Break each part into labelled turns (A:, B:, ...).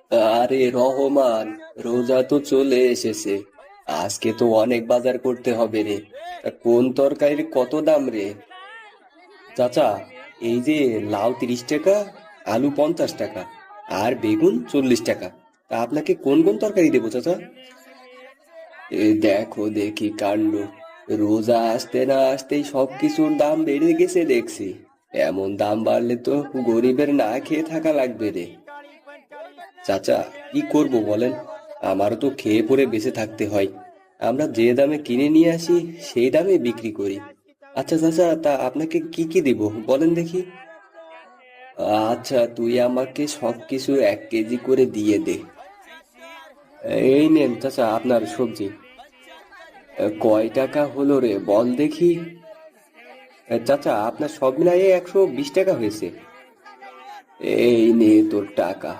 A: আরে রহমান, রোজা তো চলে এসেছে। আজকে তো অনেক বাজার করতে হবে রে। তা কোন তরকারির কত দাম রে? চাচা, এই যে লাউ 30 টাকা, আলু 50 টাকা, আর বেগুন 40 টাকা। তা আপনাকে কোন কোন তরকারি দেবো চাচা? দেখো দেখি কাণ্ড, রোজা আসতে না আসতেই সবকিছুর দাম বেড়ে গেছে দেখছি। এমন দাম বাড়লে তো গরিবের না খেয়ে থাকা লাগবে রে। চাচা, কি করব বলেন? আমারও তো খেয়ে পরে বেঁচে থাকতে হয়। আমরা যে দামে কিনে নিয়ে আসি সেই দামে বিক্রি করি। আচ্ছা চাচা, তা আপনাকে কি কি দিব বলেন দেখি। আচ্ছা, তুই আমাকে সবকিছু 1 কেজি করে দিয়ে দে। এই নেন চাচা আপনার সবজি। কয় টাকা হলো রে বল দেখি। চাচা, আপনার সব মিলাইয়ে 120 টাকা হয়েছে। এই নে তোর টাকা।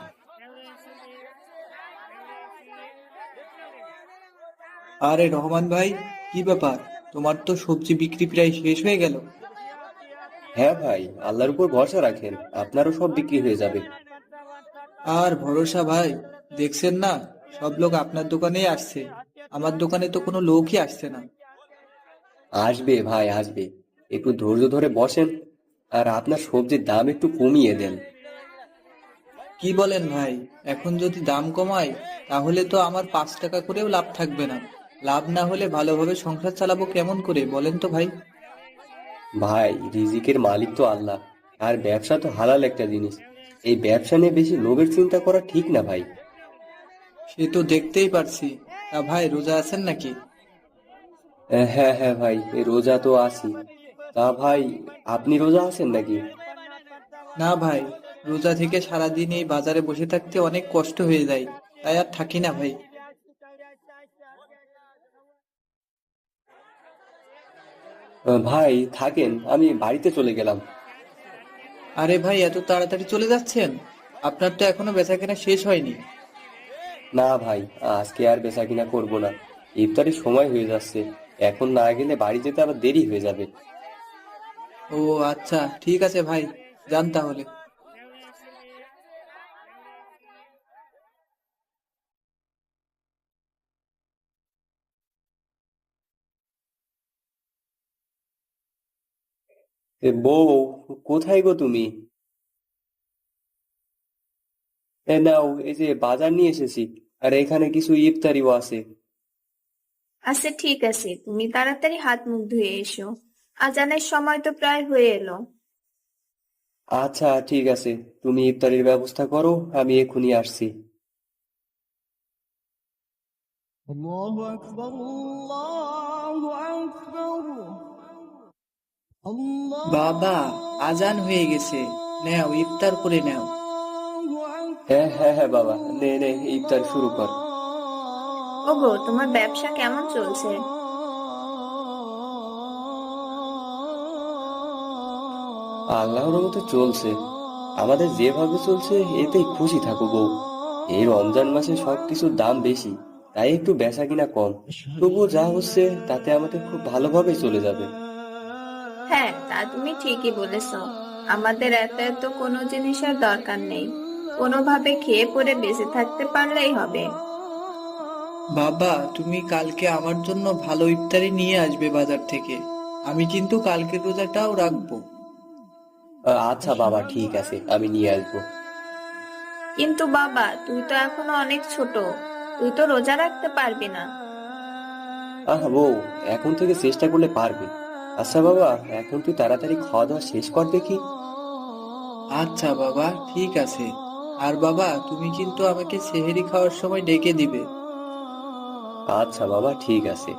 B: আরে রহমান ভাই, কি ব্যাপার? তোমার তো সবজি বিক্রি প্রায় শেষ হয়ে গেল।
A: হ্যাঁ ভাই, আল্লাহর উপর ভরসা রাখেন, আপনারও সব বিক্রি হয়ে যাবে।
B: আর ভরসা ভাই, দেখছেন না, সব লোক আপনার দোকানেই আসছে। আমার দোকানে তো কোনো লোকই আসছে না।
A: আসবে ভাই আসবে, একটু ধৈর্য ধরে বসেন। আর আপনার সবজির দাম একটু কমিয়ে দেন।
B: কি বলেন ভাই? এখন যদি দাম কমাই, তাহলে তো আমার 5 টাকা করেও লাভ থাকবে না। লাভ না হলে ভালোভাবে সংসার চালাবো কেমন করে বলেন তো ভাই?
A: ভাই, রিজিকের মালিক তো আল্লাহ। আর ব্যবসা তো হালাল একটা জিনিস। এই ব্যবসা নিয়ে বেশি লোভের চিন্তা করা ঠিক না ভাই।
B: সে তো দেখতেই পারছি। তা ভাই, রোজা আছেন নাকি?
A: হ্যাঁ হ্যাঁ ভাই, এই রোজা তো আছি। তা ভাই, আপনি রোজা আছেন নাকি?
B: না ভাই, রোজা থেকে সারাদিন এই বাজারে বসে থাকতে অনেক কষ্ট হয়ে যায়, তাই আর থাকি না ভাই।
A: ভাই থাকেন, আমি বাড়িতে চলে গেলাম।
B: আরে ভাই, এত তাড়াতাড়ি চলে যাচ্ছেন? আপনার তো এখনো বেচাকেনা শেষ হয়নি।
A: না ভাই, আজকে আর বেচাকিনা করব না। ইফতারের সময় হয়ে যাচ্ছে। এখন না গেলে বাড়ি যেতে আবার দেরি হয়ে যাবে।
B: ও আচ্ছা, ঠিক আছে ভাই, যান তাহলে।
A: বউ, কোথায় গো তুমি? নাও, এই যে বাজার নিয়ে এসেছি। আর এখানে কিছু ইফতারিও আছে।
C: আচ্ছা ঠিক আছে, তুমি তাড়াতাড়ি হাত মুখ ধুয়ে এসো। আজানের সময় তো প্রায় হয়ে এলো।
A: আচ্ছা ঠিক আছে, তুমি ইফতারির ব্যবস্থা করো, আমি এক্ষুনি আসছি।
D: الله أكبر الله أكبر
B: বাবা, আজান
D: الله
B: হয়ে গেছে। নেও, ইফতার করে নেও।
A: হ্যাঁ
D: أكبر
A: হ্যাঁ হ্যাঁ বাবা, নে নে ইফতার শুরু কর।
C: ওগো, তোমার ব্যবসা কেমন চলছে?
A: আল্লাহর রহমতে চলছে। আমাদের যেভাবে চলছে এতেই খুশি থাকো বউ। এই রমজান মাসে সবকিছুর দাম বেশি, তাই একটু বেচা কিনা কম।
D: أشهد
A: তবুও
D: أن
A: যা
D: لا
A: হচ্ছে তাতে আমাদের খুব ভালোভাবে চলে যাবে।
C: হ্যাঁ, তা তুমি ঠিকই বলেছো। আমাদের এত এত কোনো জিনিসের দরকার নেই। কোনোভাবে খেয়ে পরে বেঁচে থাকতে পারলেই হবে।
B: বাবা, তুমি কালকে আমার জন্য ভালো ইফতারি নিয়ে আসবে বাজার থেকে। আমি কিন্তু কালকের রোজাটাও রাখবো।
A: আচ্ছা বাবা, ঠিক আছে, আমি নিয়ে আসবো।
C: কিন্তু বাবা, তুই তো এখনো অনেক ছোট। তুই তো রোজা রাখতে পারবি না।
A: আহ বউ, এখন থেকে চেষ্টা করলে পারবে। আচ্ছা বাবা, এখন তুই তাড়াতাড়ি খাওয়া দাওয়া শেষ কর দেখি।
B: আচ্ছা বাবা, ঠিক আছে। আর বাবা, তুমি কিন্তু আমাকে সেহেরি খাওয়ার সময় ডেকে দিবে।
A: আচ্ছা বাবা, ঠিক আছে।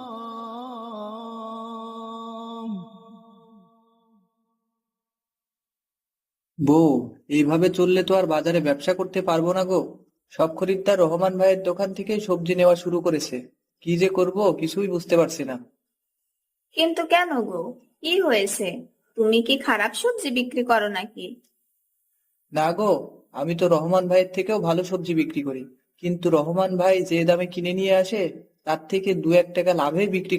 B: বউ, এইভাবে চললে তো আর বাজারে ব্যবসা করতে পারবো না গো। সব খরিদ্দার রহমান ভাইয়ের দোকান থেকেই সবজি নেওয়া শুরু করেছে। কি যে করব কিছুই বুঝতে পারছি না।
C: কিন্তু কেন গো? কি হয়েছে? তুমি কি খারাপ সবজি বিক্রি করো নাকি?
B: না গো, আমি তো রহমান ভাইয়ের থেকেও ভালো সবজি বিক্রি করি। কিন্তু রহমান ভাই যে দামে কিনে নিয়ে আসে, তার থেকে 2-1 টাকা লাভে বিক্রি